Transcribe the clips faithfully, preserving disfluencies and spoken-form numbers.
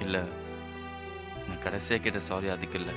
இல்ல, நான் கடைசியா கேட்ட சாரி அதுக்கு இல்ல.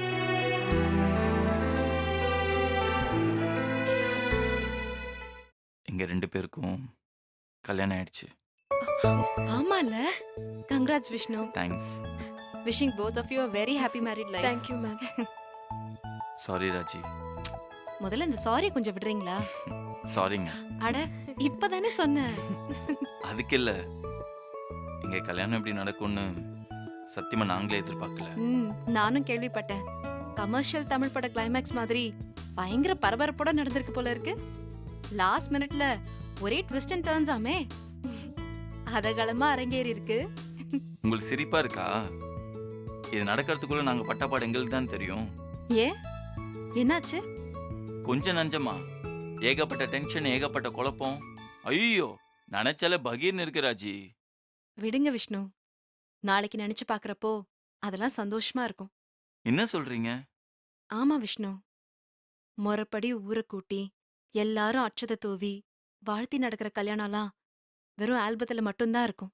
எங்க ரெண்டு பேருக்கும் கல்யாணம் ஆயிடுச்சு. ஆமால. Congrats Vishnu. Thanks. Wishing both of you a very happy married life. Thank you ma'am. Sorry Raji. முதல்ல இந்த சாரி கொஞ்சம் விடுறீங்களா? சாரிங்க. அட இப்பதானே சொன்னேன். அதுக்கு இல்ல. எங்க கல்யாணம் எப்படி நடக்கும்னு சத்தியமா நாங்களே எதிர்பார்க்கல. ம், நானும் கேள்விப்பட்டேன். கமர்ஷியல் தமிழ் பட கிளைமேக்ஸ் மாதிரி பயங்கர பரபரப்போட நடந்திருக்கு போல இருக்கு. லாஸ்ட் மினிட்ல ஒரே ட்விஸ்ட் அண்ட் டர்ன்ஸ் ஆமே. அதகலமா அரங்கேறி இருக்கு. உங்களுக்கு சிரிப்பா இருக்கா? இது நடக்கிறதுக்குள்ள நாங்க பட்டப்பாடு எங்களுக்கு தான் தெரியும். ஏ என்னாச்சு? கொஞ்சம் நஞ்சமா ஏகப்பட்ட டென்ஷன், ஏகப்பட்ட குழப்பம். ஐயோ, நினைச்சாலே பகீர்னு இருக்கு ராஜி. விடுங்க விஷ்ணு. நாளைக்கு நினைச்சு பாக்குறப்போ அதெல்லாம் சந்தோஷமா இருக்கும். என்ன சொல்றீங்க? ஆமா விஷ்ணு. முறைப்படி ஊரை கூட்டி எல்லாரும் அட்சதை தூவி வாழ்த்தி நடக்கிற கல்யாணம்லாம் வெறும் ஆல்பத்துல மட்டும்தான் இருக்கும்.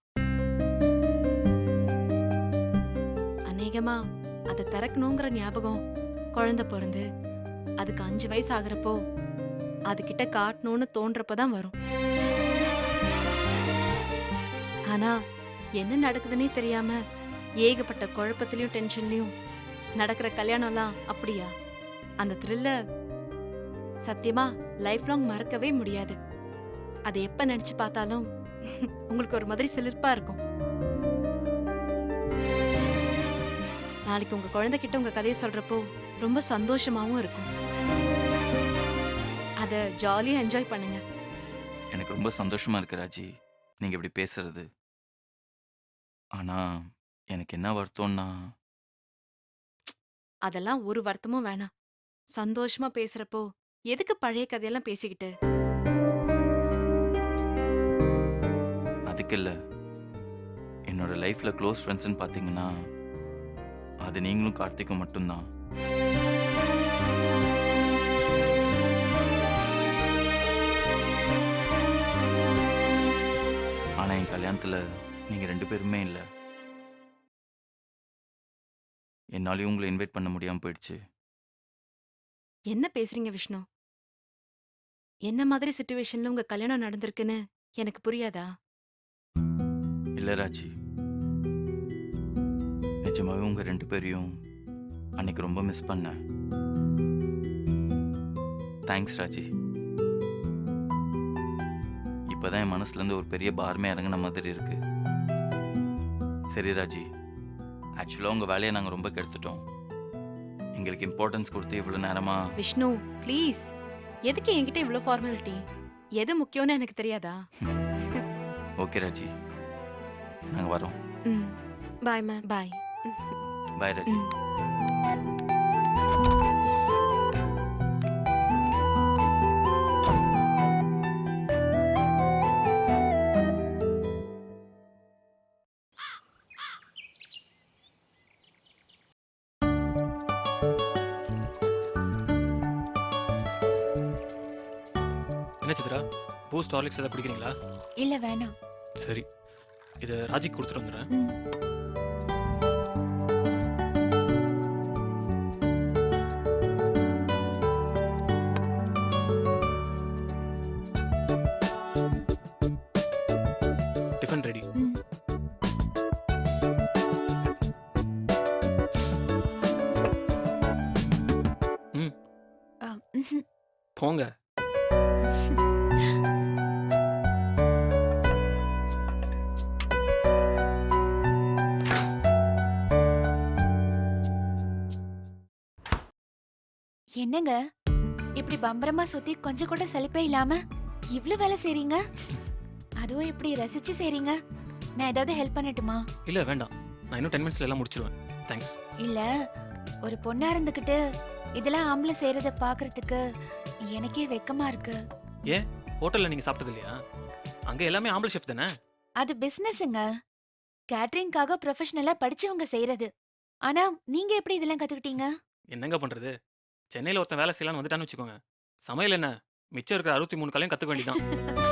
அநேகமா அதை திறக்கணுங்கிற ஞாபகம் குழந்தை பிறந்து அதுக்கு அஞ்சு வயசு ஆகுறப்போ அதுகிட்ட காட்டணும்னு தோன்றப்பதான் வரும். ஆனா என்ன நடக்குதுன்னே தெரியாம ஏகப்பட்ட குழப்பத்திலயும் டென்ஷன்லயும் நடக்கிற கல்யாணம்லாம் அப்படியா? அந்த த்ரில்ல சத்தியமா லைஃப் லாங் மறக்கவே முடியாது. அதை எப்ப நினைச்சு பார்த்தாலும் உங்களுக்கு ஒரு மாதிரி சிலிர்ப்பா இருக்கும். நாளைக்கு உங்க குழந்தைகிட்ட உங்க கதையை சொல்றப்போ ரொம்ப சந்தோஷமாவும் இருக்கும். அத ஜாலியா என்ஜாய் பண்ணுங்க. எனக்கு ரொம்ப சந்தோஷமா இருக்கு ராஜி, நீங்க இப்படி பேசுறது. ஆனா எனக்கு என்ன வருத்தம்னா, அதெல்லாம் ஒரு வருத்தமும் வேணாம். சந்தோஷமா பேசுறப்போ எதுக்கு பழைய கதையெல்லாம் பேசிக்கிட்டு? அதுக்கு இல்ல. என்னோட லைஃப்ல க்ளோஸ் ஃப்ரெண்ட்ஸ்னு பாத்தீங்கன்னா அது நீங்களும் கார்த்திக்கும் மட்டும்தான். ஆனா என் கல்யாணத்துல நீங்க ரெண்டு பேருமே இல்ல. என்னாலையும் உங்களை இன்வைட் பண்ண முடியாம போயிடுச்சு. என்ன பேசுறீங்க விஷ்ணு? என்ன மாதிரி சிச்சுவேஷன்ல உங்க கல்யாணம் நடந்திருக்குன்னு எனக்கு புரியாதா? இல்ல ராஜி, நிஜமாவே உங்க ரெண்டு பேரையும் அன்னைக்கு ரொம்ப மிஸ் பண்ணேன். தேங்க்ஸ் ராஜி. இப்பதான் என் மனசுல இருந்து ஒரு பெரிய பாரமே இறங்கின மாதிரி இருக்கு. சரி ராஜி, ஆக்சுவலா உங்க வேலையை நாங்க ரொம்ப கெடுத்துட்டோம். எங்களுக்கு இம்பார்ட்டன்ஸ் கொடுத்து இவ்வளவு நேரமா. விஷ்ணு ப்ளீஸ், எதுக்கு என்கிட்ட இவ்ளோ ஃபார்மாலிட்டி? எது முக்கியம்னு எனக்கு தெரியாதா? ஓகே ராஜி, நாங்க வரோம். ம், பாய் மேம். பாய். பாய் ராஜி. ம். என்ன சித்ரா, பூஸ்ட் ஹார்லிக்ஸ் ஏதாவது குடிக்கிறீங்களா? இல்ல வேணாம். சரி, இதை ராஜிக்கு கொடுத்துட்டு வந்துடுறேன். ம். Tiffin ready. ம். ம். அ, ம்ஹும். போங்க. என்னங்க இப்படி பம்பரமா சுத்தி கொஞ்சம் கூட சலிப்பே இல்லாம இவ்ளோ வேலை செய்றீங்க? அதுவும் இப்படி ரசிச்சு செய்றீங்க. நான் ஏதாவது ஹெல்ப் பண்ணட்டுமா? இல்ல வேண்டாம், நான் இன்னும் டென் மினிட்ஸ்ல எல்லாம் முடிச்சிருவேன். தேங்க்ஸ். இல்ல, ஒரு பொண்ணா இருந்துகிட்டு இதெல்லாம் ஆம்பளை செய்யறத பாக்குறதுக்கு எனக்கே வெக்கமா இருக்கு. ஏன் ஹோட்டல்ல நீங்க சாப்பிட்டது இல்லையா? அங்க எல்லாமே ஆம்பளை ஷெஃப் தானே. அது பிசினஸ்ங்க. கேட்டரிங்காக ப்ரொஃபஷனலா படிச்சவங்க செய்யறது. ஆனா நீங்க எப்படி இதெல்லாம் கத்துக்கிட்டீங்க? என்னங்க பண்றது, சென்னையில ஒருத்தன் வேலை செய்யலாம்னு வந்துட்டான்னு வச்சுக்கோங்க, சமையல் என்ன மிச்சம் இருக்கிற அறுபத்தி மூணு கலையும் கத்துக்க வேண்டியதான்.